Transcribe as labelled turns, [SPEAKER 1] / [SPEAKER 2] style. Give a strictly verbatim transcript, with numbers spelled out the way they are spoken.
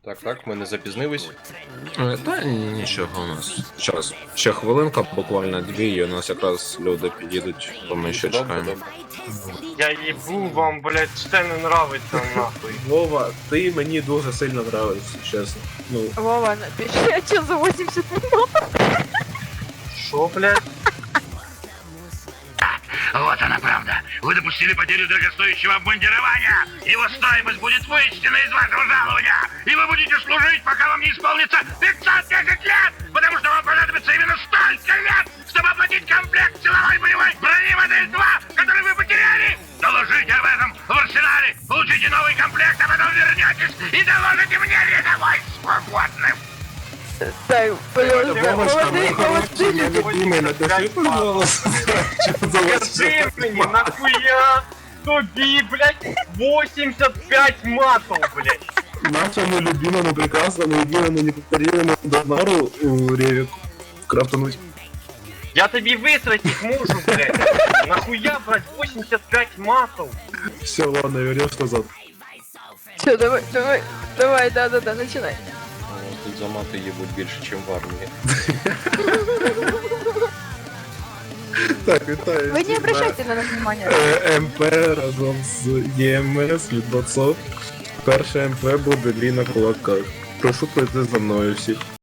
[SPEAKER 1] Так, так, ми не запізнились.
[SPEAKER 2] Е, Та ні, нічого у нас. Час. Ще хвилинка, буквально дві, і у нас якраз люди під'їдуть, то ми ще
[SPEAKER 1] Добре,
[SPEAKER 2] чекаємо.
[SPEAKER 1] добре.
[SPEAKER 3] Я їбу вам, блядь, все не нравиться нахуй.
[SPEAKER 4] Вова, ти мені дуже сильно нравишся, чесно. Ну,
[SPEAKER 5] Вова, напиши отчет за восемьдесят минут.
[SPEAKER 3] Шо, блядь?
[SPEAKER 6] Вот она правда. Вы допустили потерю дорогостоящего обмундирования. Его стоимость будет вычтена из вашего жалования. И вы будете служить, пока вам не исполнится пятьсот десять лет. Потому что вам понадобится именно столько лет, чтобы оплатить комплект силовой боевой брони модель два, который вы потеряли. Доложите об этом в арсенале. Получите новый комплект, а потом вернетесь и доложите мне рядовой свободным.
[SPEAKER 5] Так, подожди,
[SPEAKER 4] Вовочка,
[SPEAKER 5] подожди,
[SPEAKER 4] мой хороший,
[SPEAKER 5] подожди.
[SPEAKER 4] мой любимый, напиши, пожалуйста. Что за
[SPEAKER 3] Скажи мені, нахуя тобі, блядь, восемьдесят пять матов, блядь.
[SPEAKER 4] нашему любимому, прекрасному, единому, неповторимому Донару у Ревик крафтануть?
[SPEAKER 3] Я тобі витратить можу, блядь. Нахуя брать восемьдесят пять матов?
[SPEAKER 4] Все, ладно, вернешь назад.
[SPEAKER 5] Все, давай, давай, давай, да-да-да, начинай.
[SPEAKER 1] О, Тут замати їбуть більше, ніж в армії.
[SPEAKER 4] Так, вітаю.
[SPEAKER 5] Вы не обращайте на нас внимания.
[SPEAKER 4] Е, МП разом з ЄМС від двадцять. Перше МП буде Ліна Кулака. Прошу прийти за мною всіх.